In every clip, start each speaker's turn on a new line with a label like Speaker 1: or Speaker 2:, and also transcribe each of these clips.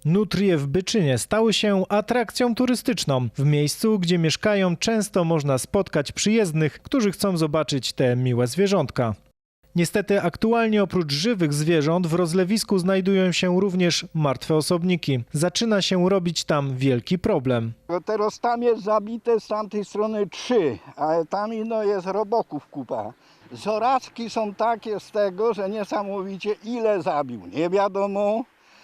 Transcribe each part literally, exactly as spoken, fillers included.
Speaker 1: Nutrie w Byczynie stały się atrakcją turystyczną. W miejscu, gdzie mieszkają, często można spotkać przyjezdnych, którzy chcą zobaczyć te miłe zwierzątka. Niestety aktualnie oprócz żywych zwierząt w rozlewisku znajdują się również martwe osobniki. Zaczyna się robić tam wielki problem.
Speaker 2: Teraz tam jest zabite z tamtej strony trzy, a tam ino jest roboków kupa. Zorazki są takie z tego, że niesamowicie ile zabił. Nie wiadomo.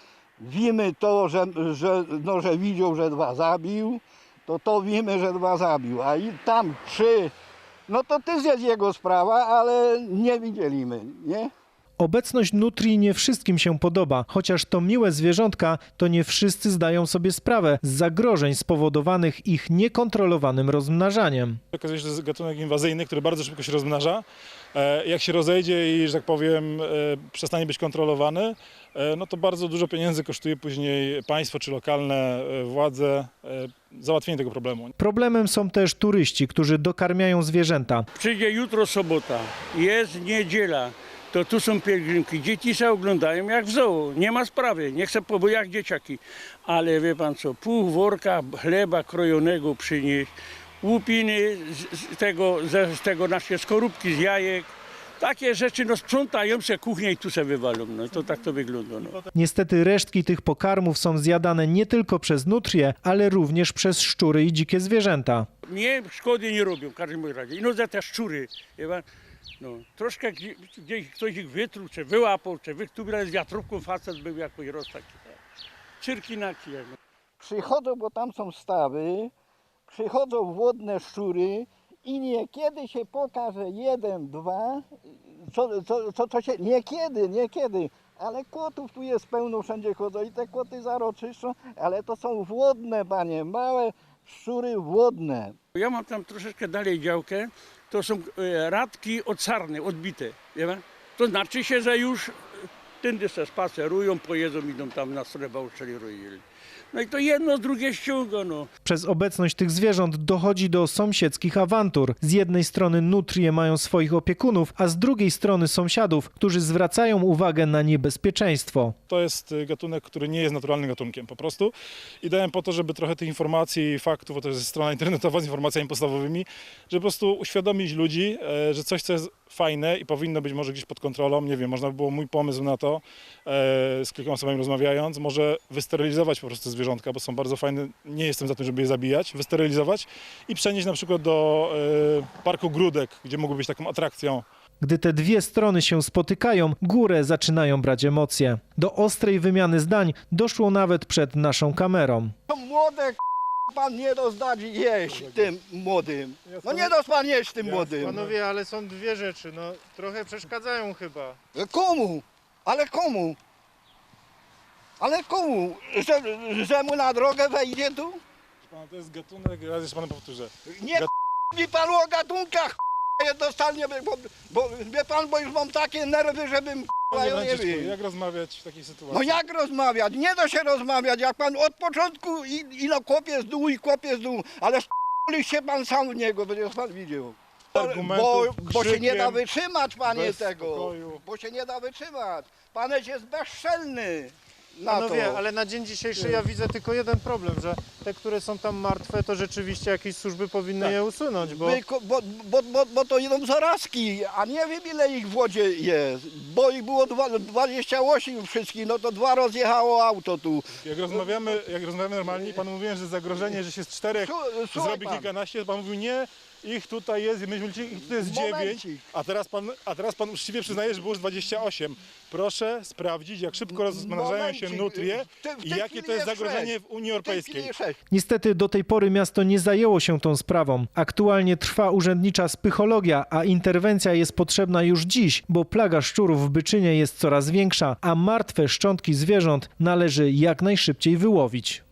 Speaker 2: Wiemy to, że, że, no, że widział, że dwa zabił, to to wiemy, że dwa zabił. A i tam trzy, no to też jest jego sprawa, ale nie widzieliśmy, nie?
Speaker 1: Obecność nutrii nie wszystkim się podoba, chociaż to miłe zwierzątka, to nie wszyscy zdają sobie sprawę z zagrożeń spowodowanych ich niekontrolowanym rozmnażaniem.
Speaker 3: Okazuje się, że to jest gatunek inwazyjny, który bardzo szybko się rozmnaża. Jak się rozejdzie i, że tak powiem, przestanie być kontrolowany, no to bardzo dużo pieniędzy kosztuje później państwo czy lokalne władze załatwienie tego problemu.
Speaker 1: Problemem są też turyści, którzy dokarmiają zwierzęta.
Speaker 4: Przyjdzie jutro sobota, jest niedziela. To tu są pielgrzymki, dzieci się oglądają jak w zoo, nie ma sprawy, nie chcę, bo jak dzieciaki. Ale wie pan co, pół worka chleba krojonego przynieść, łupiny z tego, z tego nasze skorupki z jajek. Takie rzeczy, no sprzątają się kuchnię i tu się wywalą, no to tak to wygląda. No.
Speaker 1: Niestety resztki tych pokarmów są zjadane nie tylko przez nutrie, ale również przez szczury i dzikie zwierzęta.
Speaker 4: Mnie szkody nie robią w każdym razie, no za te szczury, wie pan. No, troszkę gdzieś ktoś ich wytruł, czy wyłapał, czy wy, tu z wiatrówką facet był jakoś roz taki. Cyrki na kijach.
Speaker 2: Przychodzą, bo tam są stawy, przychodzą wodne szczury i niekiedy się pokaże jeden, dwa, co, co, co, co się, niekiedy, niekiedy, ale kłotów tu jest pełno, wszędzie chodzą i te kłoty zaroczyszczą, ale to są wodne, panie, małe szczury wodne.
Speaker 4: Ja mam tam troszeczkę dalej działkę. To są radki od sarny, odbite. Wie pan? To znaczy się, że już tędy se spacerują, pojedzą, idą tam na stronę Bałszczeli roili. No i to jedno z drugie ściąga. No.
Speaker 1: Przez obecność tych zwierząt dochodzi do sąsiedzkich awantur. Z jednej strony nutrie mają swoich opiekunów, a z drugiej strony sąsiadów, którzy zwracają uwagę na niebezpieczeństwo.
Speaker 3: To jest gatunek, który nie jest naturalnym gatunkiem po prostu. I dałem po to, żeby trochę tych informacji i faktów, bo to jest strona internetowa z informacjami podstawowymi, żeby po prostu uświadomić ludzi, że coś, co jest fajne i powinno być może gdzieś pod kontrolą, nie wiem, można by było mój pomysł na to, z kilkoma osobami rozmawiając, może wysterylizować po prostu zwierzątka, bo są bardzo fajne, nie jestem za tym, żeby je zabijać, wysterylizować i przenieść na przykład do parku Gródek, gdzie mogły być taką atrakcją.
Speaker 1: Gdy te dwie strony się spotykają, górę zaczynają brać emocje. Do ostrej wymiany zdań doszło nawet przed naszą kamerą.
Speaker 2: To młode pan nie rozdadzi jeść tym młodym. No nie dos pan jeść tym młodym.
Speaker 5: Panowie, ale są dwie rzeczy, no trochę przeszkadzają chyba.
Speaker 2: Komu? Ale komu? Ale komu? Że, że mu na drogę wejdzie tu?
Speaker 3: Pana, to jest gatunek, raz jeszcze panu powtórzę.
Speaker 2: Nie Gat... mi panu o gatunkach jednostanie, bo, bo wie pan, bo już mam takie nerwy, żebym
Speaker 3: Panie
Speaker 2: ja nie
Speaker 3: Franciszku,
Speaker 2: wiem.
Speaker 3: jak rozmawiać w takiej sytuacji?
Speaker 2: No jak rozmawiać? Nie da się rozmawiać, jak pan od początku i, i no kopie z dół i kopie z dół, ale się pan sam w niego, będzie pan widział. Bo, bo się nie da wytrzymać, panie, tego.
Speaker 3: Spokoju.
Speaker 2: Bo się nie da wytrzymać. Paneś jest bezczelny. Na
Speaker 5: Panowie,
Speaker 2: to.
Speaker 5: ale na dzień dzisiejszy ja widzę tylko jeden problem, że te, które są tam martwe, to rzeczywiście jakieś służby powinny
Speaker 3: Tak.
Speaker 5: je usunąć, bo...
Speaker 2: Bo, bo, bo, bo, bo to idą zarazki, a nie wiem ile ich w wodzie jest, bo ich było dwa, dwadzieścia osiem wszystkich, no to dwa rozjechało auto tu.
Speaker 3: Jak rozmawiamy, jak rozmawiamy normalnie, pan mówiłem, że zagrożenie, że się z czterech
Speaker 2: Słuchaj
Speaker 3: zrobi
Speaker 2: pan.
Speaker 3: kilkanaście, pan mówił nie, ich tutaj jest, my myślimy, ich tutaj jest dziewięć,
Speaker 2: Momencik.
Speaker 3: a teraz pan, a teraz pan uczciwie przyznaje, że było już dwadzieścia osiem. Proszę sprawdzić, jak szybko rozmnażają się
Speaker 2: Momencik.
Speaker 3: nutrie
Speaker 2: W te- w
Speaker 3: i
Speaker 2: tej
Speaker 3: jakie
Speaker 2: chwili
Speaker 3: to jest
Speaker 2: jest
Speaker 3: zagrożenie
Speaker 2: sześć.
Speaker 3: w Unii
Speaker 2: W tej chwili
Speaker 3: Europejskiej.
Speaker 2: jest sześć.
Speaker 1: Niestety do tej pory miasto nie zajęło się tą sprawą. Aktualnie trwa urzędnicza spychologia, a interwencja jest potrzebna już dziś, bo plaga szczurów w Byczynie jest coraz większa, a martwe szczątki zwierząt należy jak najszybciej wyłowić.